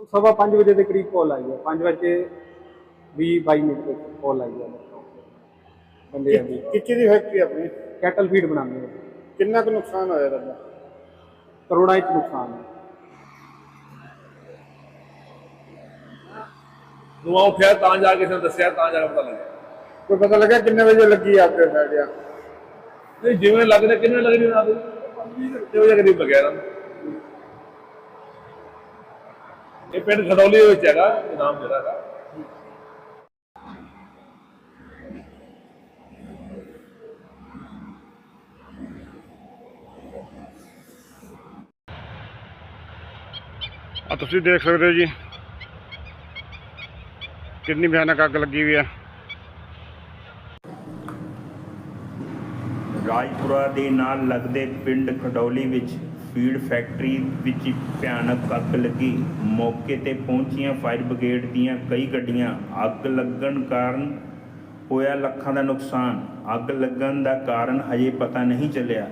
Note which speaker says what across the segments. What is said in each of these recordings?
Speaker 1: 5:15 ਦੇ ਕਰੀਬ ਕਾਲ ਆਈ ਹੈ। 5:20-22 ਤੇ ਕਾਲ ਆਈ ਹੈ ਬੰਦਿਆਂ ਦੀ।
Speaker 2: ਕਿੱਚੀ ਦੀ ਫੈਕਟਰੀ ਆਪਣੀ
Speaker 1: ਕੈਟਲ ਫੀਡ ਬਣਾਉਂਦੇ ਹਾਂ।
Speaker 2: ਕਿੰਨਾ ਕੁ ਨੁਕਸਾਨ ਹੋਇਆ ਤੁਹਾਡਾ?
Speaker 1: ਕਰੋੜਾਂ 'ਚ ਨੁਕਸਾਨ ਹੈ।
Speaker 3: ਧੂੰਆਂ ਉੱਠਿਆ ਤਾਂ ਜਾ ਕੇ ਕਿਸੇ ਨੇ ਦੱਸਿਆ, ਤਾਂ ਜਾ ਕੇ ਪਤਾ ਲੱਗਿਆ।
Speaker 2: ਕੋਈ ਪਤਾ ਲੱਗਾ ਕਿੰਨੇ ਵਜੇ ਲੱਗੀ ਅੱਗ ਸਾਡਿਆ?
Speaker 3: ਨਹੀਂ, ਜਿਵੇਂ ਲੱਗਦਾ ਕਿੰਨੇ ਲੱਗਦੀ ਨਾ 20 ਵਜੇ ਕਰੀਬ ਲੱਗਿਆ ਇਹਨਾਂ ਨੂੰ। ਇਹ ਪਿੰਡ ਖਡੌਲੀ ਦੇ ਵਿੱਚ ਹੈਗਾ, ਇਹ ਨਾਮ ਜਿਹੜਾ ਹੈਗਾ।
Speaker 2: ਤੁਸੀਂ ਦੇਖ ਸਕਦੇ ਹੋ ਜੀ ਕਿੰਨੀ ਭਿਆਨਕ ਅੱਗ ਲੱਗੀ ਹੋਈ ਹੈ।
Speaker 4: ਰਾਜਪੁਰਾ ਦੇ ਨਾਲ ਲੱਗਦੇ ਪਿੰਡ ਖਡੌਲੀ ਵਿੱਚ ਫੀਡ ਫੈਕਟਰੀ ਵਿੱਚ ਭਿਆਨਕ ਅੱਗ ਲੱਗੀ। ਮੌਕੇ ਤੇ ਪਹੁੰਚੀਆਂ ਫਾਇਰ ਬ੍ਰਿਗੇਡ ਦੀਆਂ ਕਈ ਗੱਡੀਆਂ। ਅੱਗ ਲੱਗਣ ਕਾਰਨ ਹੋਇਆ ਲੱਖਾਂ ਦਾ ਨੁਕਸਾਨ। ਅੱਗ ਲੱਗਣ ਦਾ ਕਾਰਨ ਹਜੇ ਪਤਾ ਨਹੀਂ ਚੱਲਿਆ।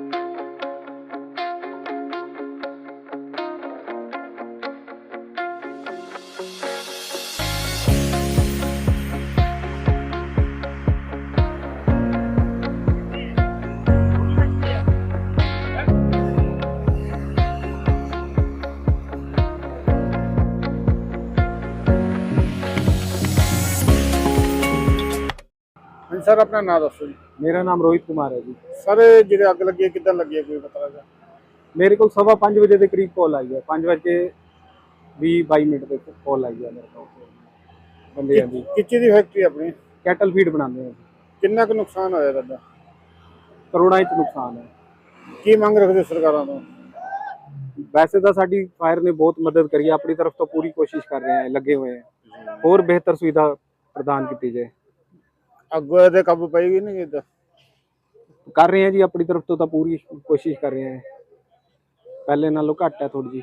Speaker 2: ਹਾਂਜੀ ਸਰ, ਆਪਣਾ ਨਾਮ ਦੱਸੋ ਜੀ।
Speaker 1: ਮੇਰਾ ਨਾਮ ਰੋਹਿਤ ਕੁਮਾਰ ਹੈ ਜੀ।
Speaker 2: ਸਰ ਜਿਹੜੇ ਅੱਗ ਲੱਗੀ ਹੈ ਕਿੱਦਾਂ ਲੱਗੀ ਹੈ, ਕੋਈ ਪਤਾ ਲੱਗਾ?
Speaker 1: ਮੇਰੇ ਕੋਲ 5:15 ਦੇ ਕਰੀਬ ਕਾਲ ਆਈ ਹੈ। 5:20-22 ਤੇ ਕਾਲ ਆਈ ਹੈ ਮੇਰੇ ਕੋਲ ਬੰਦਿਆਂ ਦੀ।
Speaker 2: ਕਿੱਚੀ ਦੀ ਫੈਕਟਰੀ ਆਪਣੀ
Speaker 1: ਕੈਟਲ ਫੀਡ ਬਣਾਉਂਦੇ ਹਾਂ।
Speaker 2: ਕਿੰਨਾ ਕੁ ਨੁਕਸਾਨ ਹੋਇਆ ਤੁਹਾਡਾ?
Speaker 1: ਕਰੋੜਾਂ 'ਚ ਨੁਕਸਾਨ ਹੈ।
Speaker 2: ਕੀ ਮੰਗ ਰੱਖਦੇ ਸਰਕਾਰਾਂ ਤੋਂ?
Speaker 1: ਵੈਸੇ ਤਾਂ ਸਾਡੀ ਫਾਇਰ ਨੇ ਬਹੁਤ ਮਦਦ ਕਰੀ ਹੈ। ਆਪਣੀ ਤਰਫ ਤੋਂ ਪੂਰੀ ਕੋਸ਼ਿਸ਼ ਕਰ ਰਹੇ ਹਾਂ, ਲੱਗੇ ਹੋਏ हैं। ਹੋਰ ਬਿਹਤਰ ਸੁਵਿਧਾ ਪ੍ਰਦਾਨ ਕੀਤੀ ਜਾਏ।
Speaker 2: ਅੱਗ ਤੇ ਕਾਬੂ ਪਾਏਗੀ ਨਹੀਂ ਕਿੱਦਾਂ?
Speaker 1: ਕਰ ਰਹੇ ਹਾਂ ਜੀ, ਆਪਣੀ ਤਰਫ ਤੋਂ ਤਾਂ ਪੂਰੀ ਕੋਸ਼ਿਸ਼ ਕਰ ਰਹੇ ਹਾਂ। ਪਹਿਲੇ ਨਾਲੋਂ ਘੱਟ ਹੈ ਥੋੜੀ ਜੀ।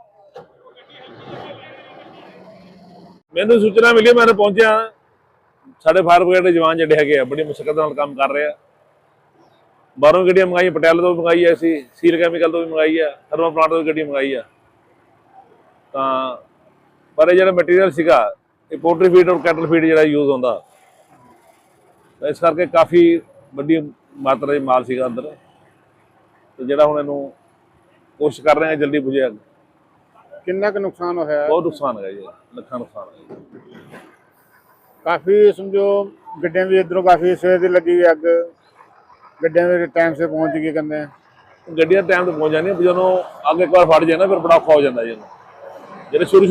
Speaker 3: ਮੈਨੂੰ ਸੂਚਨਾ ਮਿਲੀ, ਮੈਂ ਪਹੁੰਚਿਆ। ਸਾਡੇ ਫਾਇਰ ਬ੍ਰਿਗੇਡ ਦੇ ਜਵਾਨ ਜਿਹੜੇ ਹੈਗੇ ਆ ਬੜੀ ਮੁਸ਼ਕਲ ਨਾਲ ਕੰਮ ਕਰ ਰਹੇ ਆ। ਬਾਹਰੋਂ ਗੱਡੀਆਂ ਮੰਗਾਈ, ਪਟਿਆਲੇ ਤੋਂ ਮੰਗਾਈ ਹੈ, ਅਸੀਂ ਸੀਲ ਕੈਮੀਕਲ ਤੋਂ ਵੀ ਮੰਗਾਈ ਆ, ਥਰਮਲ ਪਲਾਂਟ ਤੋਂ ਵੀ ਗੱਡੀ ਮੰਗਾਈ ਆ। ਤਾਂ ਪਰ ਇਹ ਜਿਹੜਾ ਮਟੀਰੀਅਲ ਸੀਗਾ, ਇਹ ਪੋਲਟਰੀ ਫੀਡ ਔਰ ਕੈਟਲ ਫੀਡ ਜਿਹੜਾ ਯੂਜ਼ ਹੁੰਦਾ, ਇਸ ਕਰਕੇ ਕਾਫੀ ਵੱਡੀ ਮਾਤਰਾ 'ਚ ਮਾਲ ਸੀਗਾ ਅੰਦਰ। ਤੇ ਜਿਹੜਾ ਹੁਣ ਇਹਨੂੰ ਕੋਸ਼ਿਸ਼ ਕਰ ਰਹੇ ਹਾਂ ਜਲਦੀ ਬੁਝੇ। ਅੱਗ
Speaker 2: ਕਿੰਨਾ ਕੁ ਨੁਕਸਾਨ ਹੋਇਆ?
Speaker 3: ਬਹੁਤ ਨੁਕਸਾਨ ਹੈਗਾ ਜੀ, ਲੱਖਾਂ ਨੁਕਸਾਨ ਹੈ।
Speaker 2: ਕਾਫੀ ਸਮਝੋ ਗੱਡੀਆਂ ਵੀ ਇੱਧਰੋਂ ਕਾਫੀ ਸਵੇਰ ਦੀ ਲੱਗੀ ਹੋਈ ਅੱਗ। ਗੱਡੀਆਂ ਵੀ ਟਾਈਮ ਸੇ ਪਹੁੰਚ ਗਈ ਕਹਿੰਦੇ।
Speaker 3: ਗੱਡੀਆਂ ਟਾਈਮ ਤੇ ਪਹੁੰਚ ਜਾਂਦੀਆਂ, ਜਦੋਂ ਅੱਗ ਇੱਕ ਵਾਰ ਫੜ ਜਾਏ ਨਾ ਫਿਰ ਬੜਾ ਔਖਾ ਹੋ ਜਾਂਦਾ ਜੀ ਇਹਨੂੰ। ਜਿਹੜੇ ਸ਼ੁਰੂ